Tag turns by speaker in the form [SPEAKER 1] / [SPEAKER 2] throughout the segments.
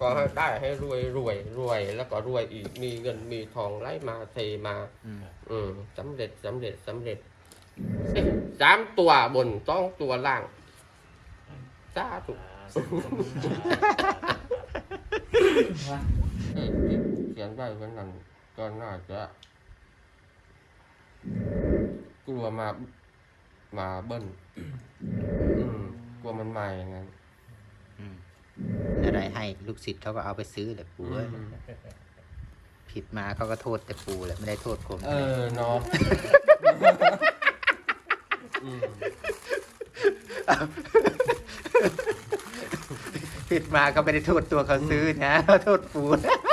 [SPEAKER 1] ก็ให้ได้ให้รวยรวยรวยแล้วก็รวยอีกมีเงินมีทองไหลมาเทมาสำเร็จสำเร็จสำเร็จ3 ตัวบน2 ตัวล่างสาธุเขียนไว้วันนั้นก็น่าจะกลัวมาเบิ้ลกลัวมันใหม่งั้น
[SPEAKER 2] อะไรให้ลูกศิษย์เขาก็เอาไปซื้อแหละปู่ผิดมาเขาก็โทษแต่ปู่แหละไม่ได้โทษผม
[SPEAKER 1] เนาะ
[SPEAKER 2] ผิดมาก็ไม่ได้โทษตัวเขาซื้อนะโทษปู่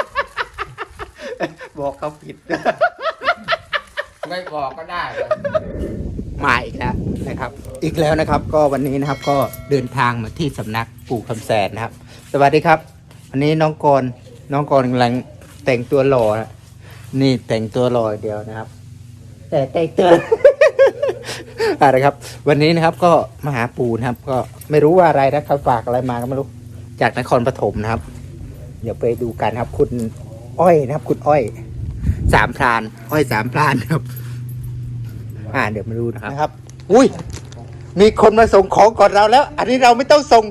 [SPEAKER 2] บอกเขาผิด
[SPEAKER 1] ไม่บอกก็ได้
[SPEAKER 2] มาอีกแล้วนะครับอีกแล้วนะครับก็วันนี้นะครับก็เดินทางมาที่สำนักปู่คำแสนนะครับสวัสดีครับวันนี้น้องกรกำลังแต่งตัวหล่อนะนี่แต่งตัวหล่อเดียวนะครับแต่งตัวอะไรครับวันนี้นะครับก็มาหาปู่นะครับก็ไม่รู้ว่าอะไรนะเขาฝากอะไรมาก็ไม่รู้จากนครปฐมนะครับเดี๋ยวไปดูกันครับคุณอ้อยนะครับคุณอ้อย3 พรานอ้อย3 พรานครับเดี๋ยวมาดูนะครับอุ้ยมีคนมาส่งของก่อนเราแล้วอันนี้เราไม่ต้องส่ง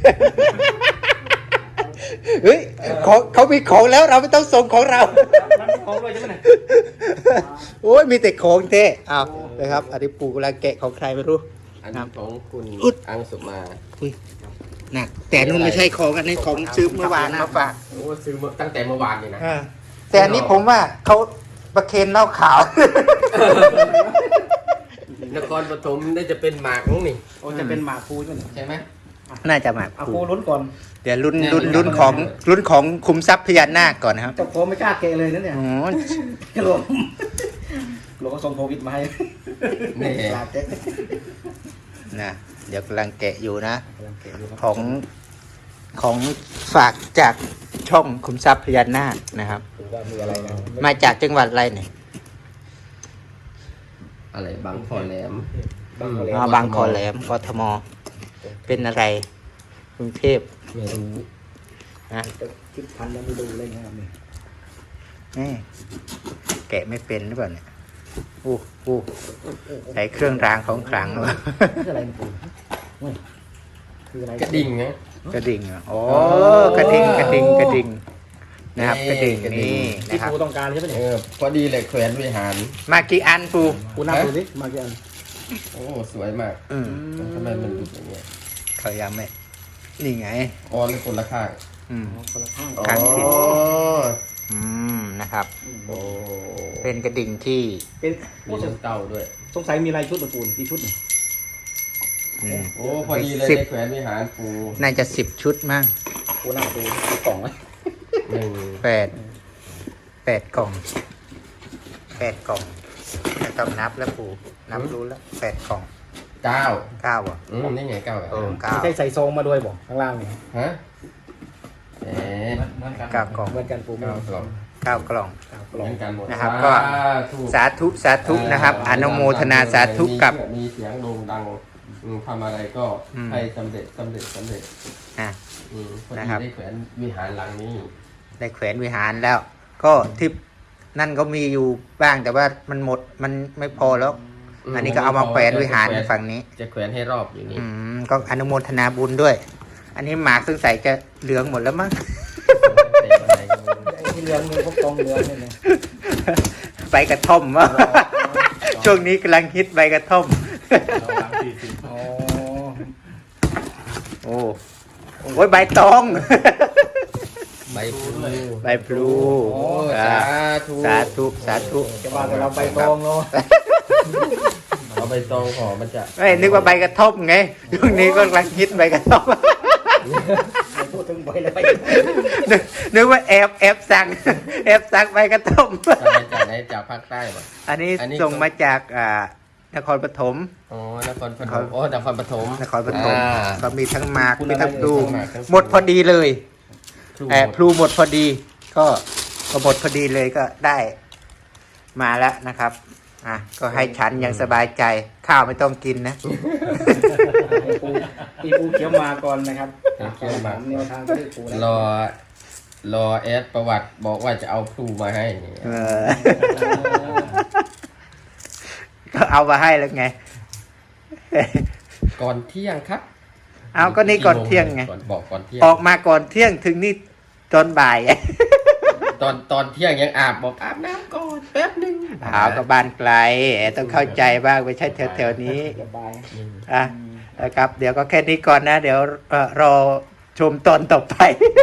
[SPEAKER 2] เฮ้ยเขามีของแล้วเราไม่ต้องส่งของเราของเลยใช่ไหมโอ้ยมีแต่ของเท่เอานะครับอันนี้ปู่กำลังแกะของใครไม่รู้
[SPEAKER 1] อันนี้ของคุณอังสุมา
[SPEAKER 2] อุ้ยหนักแต่นู่นไม่ใช่ของอันนี้ของซื้อเมื่อวานมาฝาก
[SPEAKER 1] โอ้ซื้อตั้งแต่เมื่อวานนี่นะ
[SPEAKER 2] แต่อันนี้ผมว่าเขาประเคนเหล้าขาวน
[SPEAKER 1] ครปฐมได้จะเป็นหมากน้องนี่
[SPEAKER 3] จะเป็นหมากคู
[SPEAKER 1] ใช่ไหม
[SPEAKER 2] น่าจะหมาก
[SPEAKER 3] คูลุ้นก่อน
[SPEAKER 2] เดี๋ยวลุ้นของคุมทรัพย์พญานาคก่อนนะครับ
[SPEAKER 3] เจ้าของไม่กล้าเกะเลยนั่นเนี่ยหลวงก็ส่งโควิดมาให้
[SPEAKER 1] นี่
[SPEAKER 2] นะเดี๋ยวกำลังแกะอยู่นะของฝากจากช่องคุมทรัพย์พญานาคนะครับมาจากจังหวัดอะไรเนี่ย
[SPEAKER 1] อะไรบางคอแหลม
[SPEAKER 2] บางคอแหลมกทมเป็นอะไรกรุงเทพ
[SPEAKER 1] ไม่รู้
[SPEAKER 2] นะ
[SPEAKER 3] คิดพันแล้วไม่ดูเลยนะครับ
[SPEAKER 2] นี่แกะไม่เป็นหรือเปล่าเนี่ยใส่เครื่องรางของขลังเลย
[SPEAKER 3] คืออะไรปู่คืออะไร
[SPEAKER 1] กระดิ่งไง
[SPEAKER 2] กระดิ่งโอ้กระดิ่งนะครับกระดิ่งนี่
[SPEAKER 3] ที่ปู่ต้องการใช่ไหมเนี่ย
[SPEAKER 1] พอดีเลยแขวนวิหาร
[SPEAKER 2] มากี่อันปู่
[SPEAKER 3] นับดูสิมากี่อัน
[SPEAKER 1] โอ้สวยมากทำไมมันดูอย่างเงี้ย
[SPEAKER 2] เขายังไม่นี่ไง
[SPEAKER 1] อ๋อเลยคนละข้าง
[SPEAKER 3] คนละข้าง
[SPEAKER 2] ข้างผิดนะครับเป็นกระดิ่งที่
[SPEAKER 3] เป็น
[SPEAKER 1] มีเต้าด้วย
[SPEAKER 3] สงสัยมีลายชุดหรือปูนกี่ชุดเนี่ย
[SPEAKER 1] โอ้พอดีเลยแขวนวิหารปู
[SPEAKER 2] น่าจะ10 ชุดมั้ง
[SPEAKER 3] ปูหน้าปูกล่องไหม
[SPEAKER 2] 8 กล่องไม่ต้องนับแล้วปู่นับรู้แล้ว8 กล่อง
[SPEAKER 1] 9
[SPEAKER 2] อ่ะ
[SPEAKER 1] นี่ไง9
[SPEAKER 3] ไม่ใช่ใส่ซองมาด้วยบอกข้างล่างเนี่ย
[SPEAKER 1] ฮะ
[SPEAKER 2] 9 กล่อง
[SPEAKER 3] เหมือนกันปู
[SPEAKER 2] 9 กล่องนะครับก็สาธุนะครับอนุโมทนาสาธุกับ
[SPEAKER 1] มีเสียงโด่งดังทำอะไรก็ให้สำเร็จ
[SPEAKER 2] นะครับ
[SPEAKER 1] ได้แขวนวิหารหลังนี้
[SPEAKER 2] ได้แขวนวิหารแล้วก็ที่นั่นก็มีอยู่บ้างแต่ว่ามันหมดมันไม่พอแล้วอันนี้ก็เอามาแขวนวิหารฝั่งนี้
[SPEAKER 1] จะแขวนให้รอบอยู่นี่
[SPEAKER 2] ก็อนุโมทนาบุญด้วยอันนี้หมากซึ่งใส่จะเหลืองหมดแล้วมั้ง
[SPEAKER 3] ที่เหลืองมีพวกกองเหลืองเนี่ย
[SPEAKER 2] ใบกระท่อมวะช่วงนี้กำลังฮิตใบกระท่อมโอ้ยใบตอง
[SPEAKER 1] ใบ
[SPEAKER 2] พลูสาธุ
[SPEAKER 3] จะมาแต่เราใบตองเนาะ
[SPEAKER 1] เอาใบตองห่อมันจะ
[SPEAKER 2] ไม่นึกว่าใบกระท่อมไงช่วงนี้ก็กำลังฮิตใบกระท่อม
[SPEAKER 3] พูดถึงใบอะไร
[SPEAKER 2] นึกว่าแอบสั่งใบกระท่อม
[SPEAKER 1] จากภาคใต้ป่ะ
[SPEAKER 2] อันนี้ส่งมาจากนครปฐม
[SPEAKER 1] นครปฐม
[SPEAKER 2] ก็มีทั้งหมากมีทั้งพลูหมดพอดีเลยพลูหมดพอดีก็หมดพอดีเลยก็ได้มาแล้วนะครับก็ให้ฉันยังสบายใจข้าวไม่ต้องกินนะ
[SPEAKER 3] ปูเขียวมาก่อนนะครับ
[SPEAKER 1] เขียวมา
[SPEAKER 3] แนวทางที่ปู
[SPEAKER 1] รอรอแอดประวัติบอกว่าจะเอาครูมาให้
[SPEAKER 2] ก็เอามาให้แล้วไง
[SPEAKER 1] ก่อนเที่ยงครับ
[SPEAKER 2] เอาก็นี่ก่อนเที่ยงไง
[SPEAKER 1] บอกก่อนเที่ยง
[SPEAKER 2] ออกมาก่อนเที่ยงถึงนี่ตอนบ่าย
[SPEAKER 1] ตอนเที่ยงยังอาบบอกอาบน้ำก่อนแป๊บนึง
[SPEAKER 2] หาวก็บ้านไกลต้องเข้าใจบ้างไม่ใช่แถวๆนี้
[SPEAKER 3] สบาย
[SPEAKER 2] อ่ะนะครับ เดี๋ยวก็แค่นี้ก่อนนะ เดี๋ยวรอชมตอนต่อไป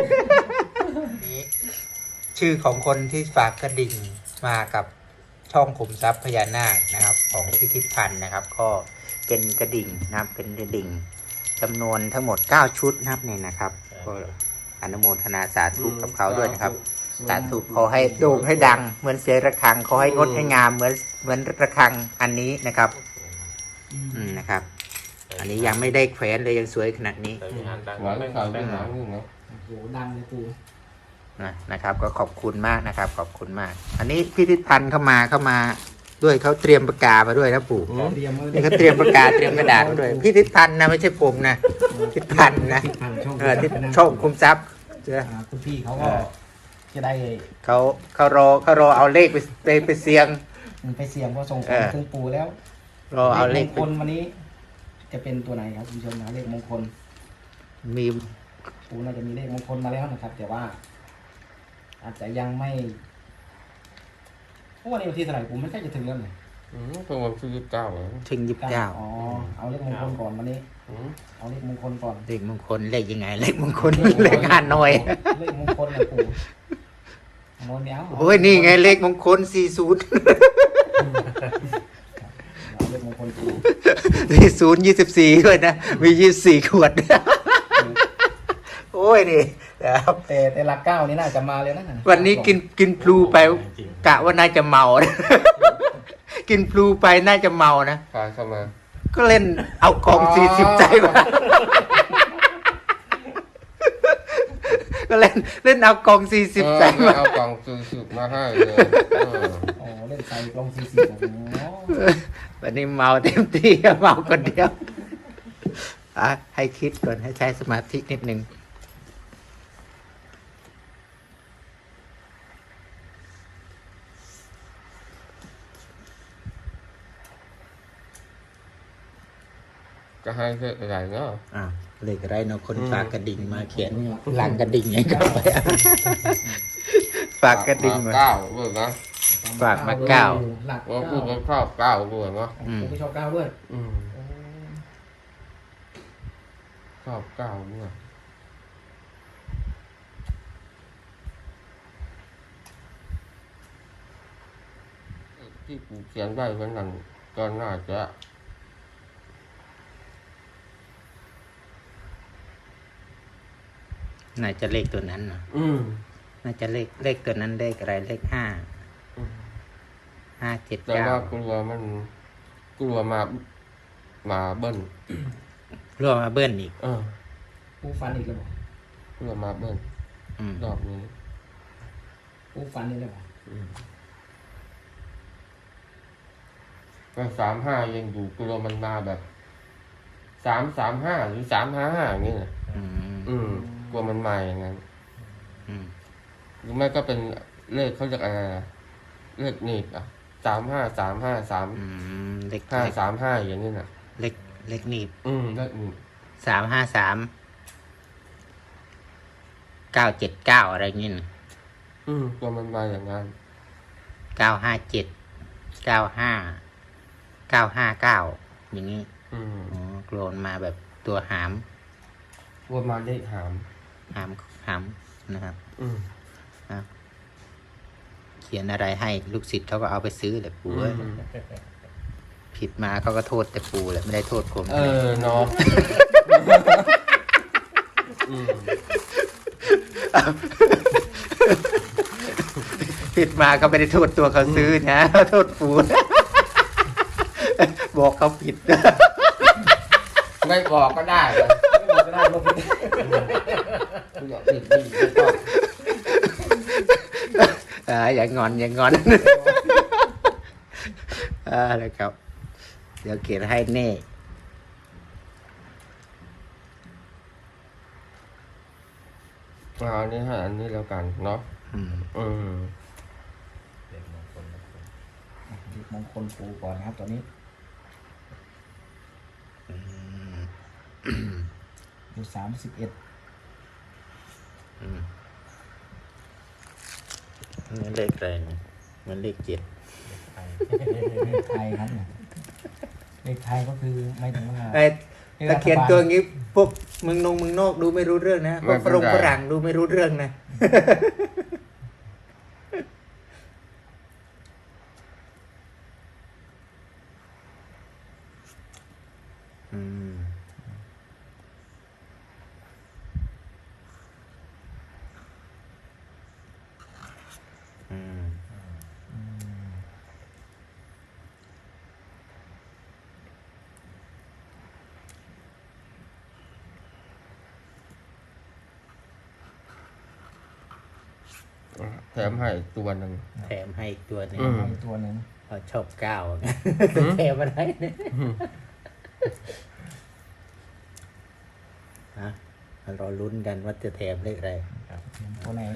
[SPEAKER 2] ชื่อของคนที่ฝากกระดิ่งมากับช่องขุมทรัพย์พญานาคนะครับ ของพิพิธภัณฑ์นะครับ ก็เป็นกระดิ่งนะครับเป็นกระดิ่งจำนวนทั้งหมด9ชุดนะครับเนี่ยนะครับก็อนุโมทนาสาธุกับเขาด้วยนะครับสาธุขอให้โด่งให้ดังเหมือนเสียงระฆังขอให้งดให้งามเหมือนระฆังอันนี้นะครับนะครับ อันนี้ยังไม่ได้แขวนเลยยังสวยขนาดนี้
[SPEAKER 1] หวังข่าวที่หลังนี่เนาะ
[SPEAKER 3] โอ้โหดังเลยปู
[SPEAKER 2] นะครับก็ขอบคุณมากนะครับ ขอบคุณมาก อันนี้พิพิธภัณฑ์เข้ามาด้วยเขาเตรียมปากกามาด้วยนะปู่
[SPEAKER 3] เตรียมไว้
[SPEAKER 2] นี่เขาเตรียมปากกาเตรียมกระดาษมาด้วยพิพิธภัณฑ์นะไม่ใช่ผมนะพิพิธภัณฑ์นะ
[SPEAKER 3] ช่อง
[SPEAKER 2] ที่ช่องคุมทรัพย์เจ้า
[SPEAKER 3] คุณพี่เขาก็จะได้
[SPEAKER 2] เขารอเอาเลขไปเสี่ยง
[SPEAKER 3] ไปเสี่ยงเพราะส่งของถึงปูแล้ว
[SPEAKER 2] รอเอาเลข
[SPEAKER 3] มงคลวันนี้ จะเป็นตัวไหนครับคุณผู้ชมนะเลขมงคล
[SPEAKER 2] มี
[SPEAKER 3] ปูน่าจะมีเลขมงคลมาแล้วนะครับ แต่ว่า อาจจะยังไม่เพราะวันนี้วันที่เท่าไหร่ปูไม่ใกล้จะถึงแล้วเนี่ย
[SPEAKER 1] เพิ่งวันที่29เหรอ
[SPEAKER 2] ถึง29
[SPEAKER 3] อ๋อเอาเลขมงคลก่อนวันนี้
[SPEAKER 1] อืม
[SPEAKER 3] เอาเลขมงคลก่อน
[SPEAKER 2] เลขมงคลเลขยังไงเลขมงคลเลขห้าหน่อย
[SPEAKER 3] เลขมงคลนะปูโน้นเนี้ย
[SPEAKER 2] โอ้ยนี่ไงเลขมงคล40
[SPEAKER 3] เอาเลขมงคลปู
[SPEAKER 2] 40 24ด้วยนะมี24 ขวด โอ้ยนี่นะครับ
[SPEAKER 3] แต่หลักเก้านี่น่าจะมาเลยนะ
[SPEAKER 2] วันนี้กินพลูไปกะว่าน่าจะเมา กินพลูไปน่าจะเมานะ
[SPEAKER 1] พาเข้ามา
[SPEAKER 2] ก็เล่นเอากอง40ใจมา ก็เล่นเอากอง40ใจมา
[SPEAKER 1] เอากล่อง40มาให้เลย
[SPEAKER 3] อ๋อเล่นใส่ลง40โอ้โห
[SPEAKER 2] วันนี้เมาเต็มที่เมาคนเดียวให้คิดก่อนให้ใช้สมาธินิดนึง
[SPEAKER 1] ก็ให้เพื่ออะไรเนาะ
[SPEAKER 2] เลขอะไรเนาะคนฝากกระดิ่งมาเขียนหลังกระดิ่งไงก็ไปฝากกระดิ่งมา
[SPEAKER 1] เก้าเบื่อนะ
[SPEAKER 2] ฝากมา 9
[SPEAKER 3] หลัก
[SPEAKER 1] ว่า
[SPEAKER 3] เก้า
[SPEAKER 1] พูดกันข้าวเก้าเบื่อเนาะ
[SPEAKER 3] ผมไม่ชอบเก้าด้วย
[SPEAKER 1] ชอบเก้าเบื่อที่กูเขียนได้วันนั้นก็น่าจะ
[SPEAKER 2] น่าจะเลขตัวนั้นเนาะน่าจะเลขตัวนั้นเลขอะไรเลข5 5 7
[SPEAKER 1] แต่ว่า
[SPEAKER 2] 9
[SPEAKER 1] กลัวมาเบิ้ล
[SPEAKER 2] รวมมาเบิ้ลอีก
[SPEAKER 3] ปูฟันอีกแล้วบอก
[SPEAKER 1] กลัวมาเบิ้ล
[SPEAKER 2] อืม
[SPEAKER 1] รอบนี้
[SPEAKER 3] ปูฟันนี่เลยบอก
[SPEAKER 1] ก็35ยังอยู่กลัวมันมาแบบ335หรือ355อย่างนี้นะ กลัวมันมาอย่างนั้น หรือไม่ก็เป็นเลขเขาเรียกอะไรนะเลขหนีบ35353535อย่างนี้น่ะ
[SPEAKER 2] เลขหนีบ
[SPEAKER 1] เลขหนีบ
[SPEAKER 2] 353 979อะไรเงี้ยนะ
[SPEAKER 1] กลัวมันมาอย่างนั้น
[SPEAKER 2] 957 95 959อย่างนี้กลัวมันมาแบบตัวหาม
[SPEAKER 1] กลัวมาเลขหาม
[SPEAKER 2] นะครับเขียนอะไรให้ลูกศิษย์เขาก็เอาไปซื้อแหละปู่เอ้ยผิดมาเขาก็โทษแต่ปู่แหละไม่ได้โทษผม
[SPEAKER 1] เนาะ
[SPEAKER 2] ผิดมาก็ไม่ได้โทษตัวเขาซื้อนะโทษปู่ บอกเขาผิด
[SPEAKER 1] ไม่บอกก็ได้เลย
[SPEAKER 3] ไม่บอกก็ได้ลบไป
[SPEAKER 1] อย่าผิดไม่ต้อง
[SPEAKER 2] อย่างงอนแล้วครับ เดี๋ยวเขียนให้แน่
[SPEAKER 1] พเอาอันนี้ให้อันนี้แล้วกันเนาะ
[SPEAKER 2] อืม
[SPEAKER 1] อืม
[SPEAKER 3] เลขมงคลปูก่อนนะครับตอนนี้อยู่31
[SPEAKER 2] มันเลขแรงมันเลข7
[SPEAKER 3] เลขไทยครับเนี่ยเลขไทยก็คือไม่ถึงว่า
[SPEAKER 2] ไอ้ตะเคียนตัวงี้พวกเมืองนอกดูไม่รู้เรื่องนะพวกฝรั่งดูไม่รู้เรื่องนะอืมอืม
[SPEAKER 1] แถมให้ตัวหนึ่ง
[SPEAKER 2] แถมให้อีกตัวหนึง
[SPEAKER 1] อืม
[SPEAKER 3] อีกตัวหนึ่ง
[SPEAKER 2] เขาชอบก้าวแถมอะไรเนี่ยฮะเราลุ้นกันว่าจะแถมเลขอะไร
[SPEAKER 3] ตัวไหน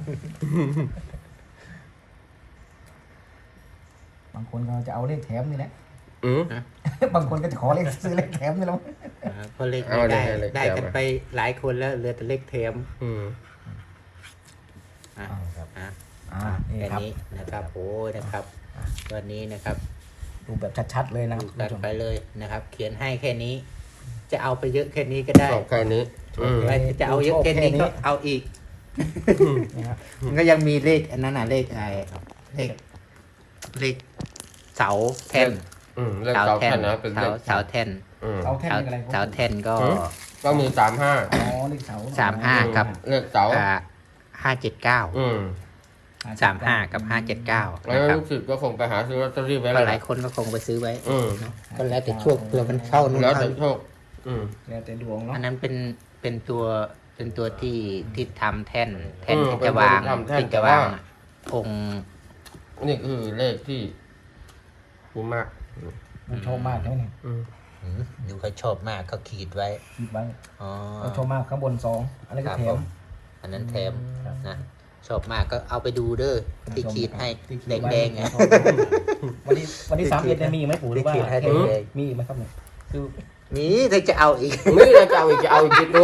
[SPEAKER 3] บางคนก็จะเอาเลขแถมนี่แหละ
[SPEAKER 1] อืม
[SPEAKER 3] บางคนก็จะขอเลขซื้อเลขแถมนี่แหล้ว
[SPEAKER 2] เพราะเลข
[SPEAKER 1] เอา
[SPEAKER 2] ไม่ได้
[SPEAKER 1] เลข
[SPEAKER 2] ได้
[SPEAKER 1] แถม
[SPEAKER 2] กัน
[SPEAKER 1] อะ
[SPEAKER 2] ไปหลายคนแล้วเหลือแต่เลขแถม
[SPEAKER 1] อืม
[SPEAKER 2] อ่ะ
[SPEAKER 3] ครับ
[SPEAKER 2] อ่ะ
[SPEAKER 3] นี่
[SPEAKER 2] แค่
[SPEAKER 3] ครับ
[SPEAKER 2] นี้นะครับโอ้ยนะครับวันนี้นะครับ
[SPEAKER 3] ดูแบบชัดๆเลยนะ
[SPEAKER 2] ดู
[SPEAKER 3] คุณ
[SPEAKER 2] กั
[SPEAKER 3] ผู้
[SPEAKER 2] น
[SPEAKER 3] ชม
[SPEAKER 2] ไปเลยนะครับ เขียนให้แค่นี้ จะเอาไปเยอะแค่นี้ก็ได้
[SPEAKER 1] ชอบแค่นี้ อืม
[SPEAKER 2] ไม่จะเอาเยอะแค่นี้ก็เอาอีก
[SPEAKER 3] นี่ครับ
[SPEAKER 2] มันก็ยังมีเลขอันนั้นน่ะเลขอะไรเลขเสาแท่น
[SPEAKER 1] อืมเรื่องเสาแท่นนะเป็นเลข
[SPEAKER 2] เสาแท่น
[SPEAKER 1] อืม
[SPEAKER 3] เสาแท่นนี่อะไร
[SPEAKER 2] เสาแท่นก็
[SPEAKER 1] หือ ก็มี35
[SPEAKER 3] อ๋อเลขเสา
[SPEAKER 2] 35ครับ
[SPEAKER 1] เลขเสา
[SPEAKER 2] 579
[SPEAKER 1] อืม
[SPEAKER 2] 35 กับ 579
[SPEAKER 1] แล้ว
[SPEAKER 2] นะครับ
[SPEAKER 1] ลูกศิษย์ก็คงไปหาซื้อลอตเตอรี่ไว้
[SPEAKER 2] ก็
[SPEAKER 1] แล้ว
[SPEAKER 2] หลายคนก็คงไปซื้อไว้
[SPEAKER 1] อืม
[SPEAKER 2] เนอะก็แล้วแต่โชคเผื่อมันเข้านู่น
[SPEAKER 1] แล้ว
[SPEAKER 2] เข้า
[SPEAKER 1] แต่โชค อืม
[SPEAKER 3] แล้วแต่ดวงเนาะ
[SPEAKER 2] อันนั้นเป็นตัวที่ทำแท่น
[SPEAKER 1] อืม
[SPEAKER 2] ที่จะวาง
[SPEAKER 1] เป็นตัวที่ทำแท่น
[SPEAKER 2] ที่จะวางองค์
[SPEAKER 1] นี่คือเลขที่คุ้มมาก
[SPEAKER 3] มันโชคมากใช่ไหมเนี่ย
[SPEAKER 1] อืม
[SPEAKER 2] ดูเขาชอบมากเขาขีดไว้
[SPEAKER 3] คิดไว้
[SPEAKER 2] อ๋อ
[SPEAKER 3] มันโชคมากข้างบน2อันนี้
[SPEAKER 2] ค
[SPEAKER 3] ก็
[SPEAKER 2] รับ
[SPEAKER 3] แถ
[SPEAKER 2] ผม มอันนั้นแถมนะชอบมากก็เอาไปดูเด้อที่ขีดให้
[SPEAKER 3] ที่ขี
[SPEAKER 2] แด
[SPEAKER 3] ไว้
[SPEAKER 2] งๆไง
[SPEAKER 3] วันที่31เนี่ยมีไหมปู่หรือว่า
[SPEAKER 2] ที่ขีดให้แดง
[SPEAKER 3] มีไหมครับเนี่ยคือ
[SPEAKER 2] ๆนี่ถ้าจะเอาอีก
[SPEAKER 1] นี่เราจะเอาอีกกี่ตัว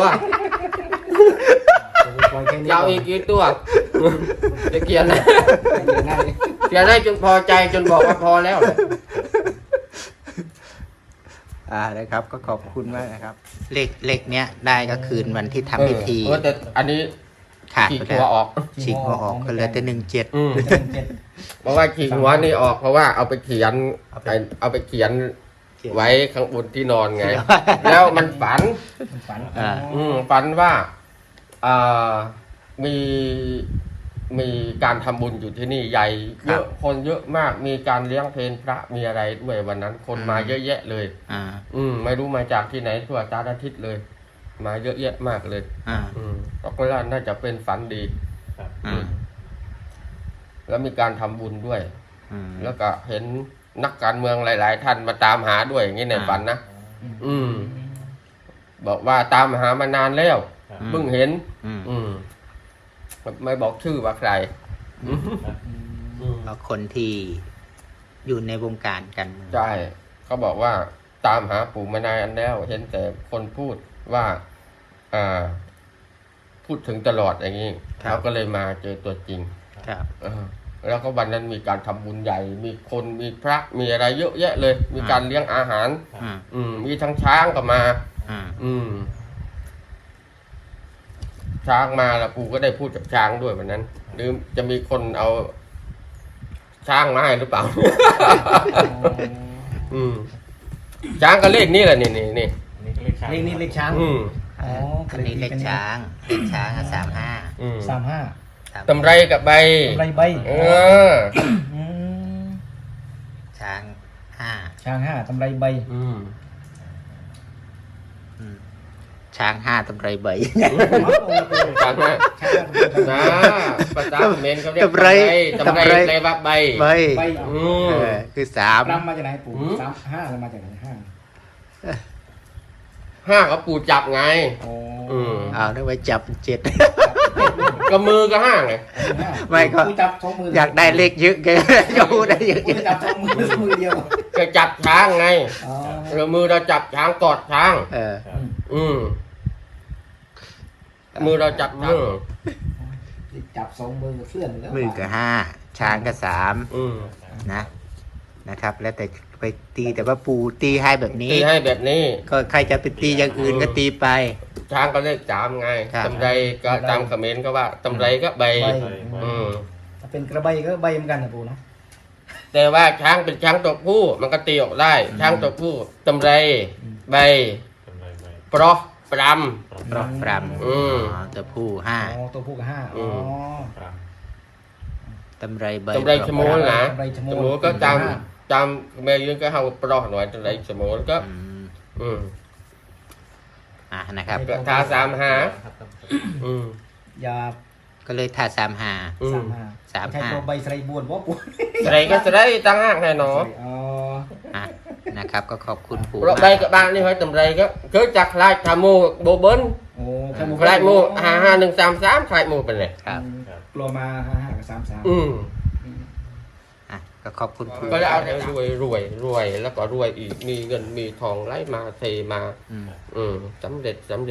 [SPEAKER 3] ปล่อยแค่นี้
[SPEAKER 1] จะเอาอีกกี่ตัว จะเขียนนะ
[SPEAKER 3] ง่ายเลย
[SPEAKER 1] เขียนให้จนพอใจจนบอกว่าพอแล้วเลย
[SPEAKER 2] นะครับก็ขอบคุณมากนะครับ เลขเนี้ยได้ก็คืนวันที่ทำพิธี
[SPEAKER 1] แต่อันนี้
[SPEAKER 2] ขาด
[SPEAKER 1] ฉีก
[SPEAKER 2] ไป
[SPEAKER 1] หั
[SPEAKER 2] แล้ว ว
[SPEAKER 1] ออก
[SPEAKER 2] ฉีกหัวออกก็เหลือแต่17
[SPEAKER 1] อืม
[SPEAKER 3] เจ็ด
[SPEAKER 1] เพราะว่าฉีกหัวนี่ออกเพราะว่าเอาไปเขียนเอาไปเขียนไว้ข้างบนที่นอนไง แล้วมันฝัน
[SPEAKER 3] มันฝัน
[SPEAKER 1] ฝันว่ามีมีการทำบุญอยู่ที่นี่ใหญ่เยอะคนเยอะมากมีการเลี้ยงเพลพระมีอะไรด้วยวันนั้นคนมาเยอะแยะเลย
[SPEAKER 2] อ่า
[SPEAKER 1] ไม่รู้มาจากที่ไหนทั่วสารทิศเลย มาเยอะแยะมากเลย
[SPEAKER 2] อ่า
[SPEAKER 1] ก็ว่าน่าจะเป็นฝันดี
[SPEAKER 2] อ่า
[SPEAKER 1] แล้วมีการทำบุญด้วย
[SPEAKER 2] อืม
[SPEAKER 1] แล้วก็เห็นนักการเมืองหลาย ๆ ท่านมาตามหาด้วยอย่างนี้ในฝันนะบอกว่าตามหามานานแล้วเพิ่งเห็น ไม่บอกชื่อว่าใคร
[SPEAKER 2] เพราะคนที่อยู่ในวงการกันเมือง
[SPEAKER 1] ใช่เขาบอกว่าตามหาปู่มานานแล้ว เห็นแต่คนพูดว่าพูดถึงตลอดอย่างนี้เขาก็เลยมาเจอตัวจริง
[SPEAKER 2] ครับ
[SPEAKER 1] แล้วก็วันนั้นมีการทำบุญใหญ่ มีคนมีพระมีอะไรเยอะแยะเลย มีการเลี้ยงอาหาร มีทั้งช้างก็มา ช้างมาแล้วปู่ก็ได้พูดกับช้างด้วยวันนั้น หรือจะมีคนเอาช้างมาให้หรือเปล่า ช้างก็เลขนี่แหละนี่
[SPEAKER 3] เลขนี้เลขช้างอ๋อ
[SPEAKER 2] อันนี้เลขช้าง35
[SPEAKER 3] 35
[SPEAKER 1] ตำไรกับใบ
[SPEAKER 3] ไรใบ
[SPEAKER 2] ช้าง
[SPEAKER 3] ช้าง5ตำไรใบ
[SPEAKER 2] ช้าง5ตำไรใบ
[SPEAKER 1] ช้างนะนะภาษาเขมรเขาเรียกตำไรแปลว่าใบ
[SPEAKER 2] ใบ
[SPEAKER 3] ใบ
[SPEAKER 2] คือ3
[SPEAKER 3] รำมาจากไหนปู่5มาจากไหน5
[SPEAKER 1] ห้าเขาปู่จับไง
[SPEAKER 3] โอ้
[SPEAKER 1] อืม
[SPEAKER 2] เอาได้ไว้จับ7
[SPEAKER 1] ก็มือก็ห้างไง
[SPEAKER 2] ไม่ก็
[SPEAKER 3] กูจับสองมือ
[SPEAKER 2] อยากได้เลขเยอะแกจะพูดได้เยอะ
[SPEAKER 3] กูจับสองมือเดียว
[SPEAKER 1] ก็จับช้างไง
[SPEAKER 3] อ๋อ
[SPEAKER 1] เรามือเราจับช้างกอดช้าง
[SPEAKER 2] เออ
[SPEAKER 1] มือเราจับช้าง
[SPEAKER 3] จับสองมือเคลื่อนแล้ว
[SPEAKER 2] มือก็ห้าช้างก็สาม
[SPEAKER 1] อืม
[SPEAKER 2] นะครับ แล้วแต่ไปตีแต่ว่าปู่ตีให้แบบนี้
[SPEAKER 1] ตีให้แบบนี้
[SPEAKER 2] ก็ใครจะไปตีอย่างอื่นก็ตีไป
[SPEAKER 1] ช้างก็เลขสามไง
[SPEAKER 2] ครับ
[SPEAKER 1] ตำไรก็ตามคอมเขมนต์ก็ว่าตำไรก็ใบ
[SPEAKER 3] ใบ
[SPEAKER 1] อืม
[SPEAKER 3] ถ้าเป็นกระใบก็ใบเหมือนกันนะปูเนาะ
[SPEAKER 1] แต่ว่าช้างเป็นช้างตัวผู้มันก็ตีออกได้ ช้างตัวผู้ตำไรใบปลอกปร
[SPEAKER 2] ปรอกปรำ
[SPEAKER 1] อืม
[SPEAKER 2] ตัวผู้ห้า
[SPEAKER 3] อ๋อตัวผู้กับห้า
[SPEAKER 1] อื
[SPEAKER 3] อ๋อ
[SPEAKER 1] ม
[SPEAKER 2] ตำไรใบ
[SPEAKER 1] ตำไรชะโมนนะ
[SPEAKER 3] ตำไรชะโมน
[SPEAKER 1] ชะโมนก็จำแม่ยืนก็เฮาปลอกหน่อยตำไรชะโมนก็
[SPEAKER 2] อืม
[SPEAKER 1] อืม
[SPEAKER 2] นะครับ
[SPEAKER 1] ก็ทาสามหาอืม
[SPEAKER 3] ยา
[SPEAKER 2] ก็เลยทาสามหา
[SPEAKER 1] อืม
[SPEAKER 3] สามห้าใช่ตัวใบไสรบวนวะปู
[SPEAKER 1] อะไรก็จะได้ตั้งห้างแน่นอน
[SPEAKER 3] อ๋อ
[SPEAKER 2] นะครับ ก็ขอบคุณปู่
[SPEAKER 1] เพราะใบกับบ้านนี่เฮ้ยตำไรก็เคยจักลายทามูโบเบิ้ล
[SPEAKER 3] โอ้แค่หมู
[SPEAKER 1] ลายมู55133ลายมูเป็นไง
[SPEAKER 2] ครับ
[SPEAKER 3] กลัวมาห้ากับ33
[SPEAKER 1] อืม
[SPEAKER 2] ก็ขอบคุณปู่
[SPEAKER 1] ก็จะเอาแต่รวยแล้วก็รวยอีกมีเงินมีทองไหลมาเทมา
[SPEAKER 2] อืม
[SPEAKER 1] สำเร็จ
[SPEAKER 3] สาธุ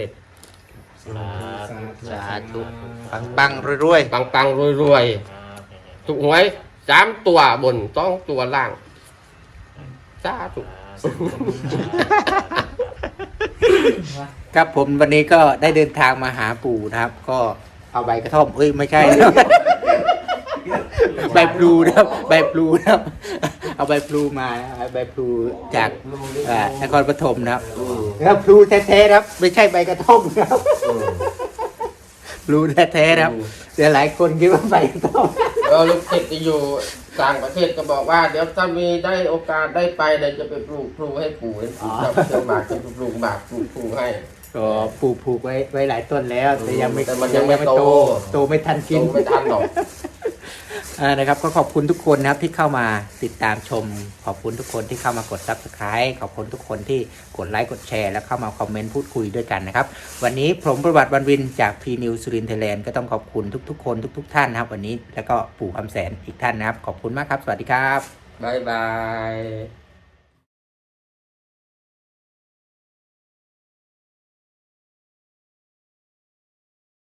[SPEAKER 2] สาธุปังรวย
[SPEAKER 1] ปังรวยถูกหวย3ตัวบน2ตัวล่างสาธุ
[SPEAKER 2] ๆครับผมวันนี้ก็ได้เดินทางมาหาปู่นะครับ ก็เอาใบกระท่อมไม่ใช่ ใบพลูนะครับใบพลูนะครับ เอาใบพลูมานะครับใบพลูจากนครปฐมนะครับแล้วพลูแท้ๆนะครับ ไม่ใช่ใบกระท่อมนะครับพลูแท้ๆนะครับแต่หลายคนคิดว่าใบกระท่อม
[SPEAKER 1] ลูกศิษย์ที่อยู่ต่างประเทศก็บอกว่าเดี๋ยวถ้ามีได้โอกาสได้ไปเดี๋ยวจะไปปลูกพลูให้ปู่ให้ปู่ชอบเชื่อหมากจะปลูกหมากปลูกพลูให้
[SPEAKER 2] ก็ปลูกไว้หลายต้นแล้ว แต่ยังไม่
[SPEAKER 1] แต่มันยังไม่โต
[SPEAKER 2] โตไม่ทันกิน
[SPEAKER 1] ไม่ทันหรอก
[SPEAKER 2] นะครับก็ขอบคุณทุกคนนะครับที่เข้ามาติดตามชม ขอบคุณทุกคนที่เข้ามากด Subscribe ขอบคุณทุกคนที่กดไลค์กดแชร์แล้วเข้ามาคอมเมนต์พูดคุยด้วยกันนะครับวันนี้ผมประวัติวันวินจากพีนิวสุรินทร์ไทยแลนด์ก็ต้องขอบคุณทุกๆคนทุกๆท่านนะครับวันนี้แล้วก็ปู่คำแสนอีกท่านนะครับขอบคุณมากครับสวัสดีครับ
[SPEAKER 1] บ๊ายบาย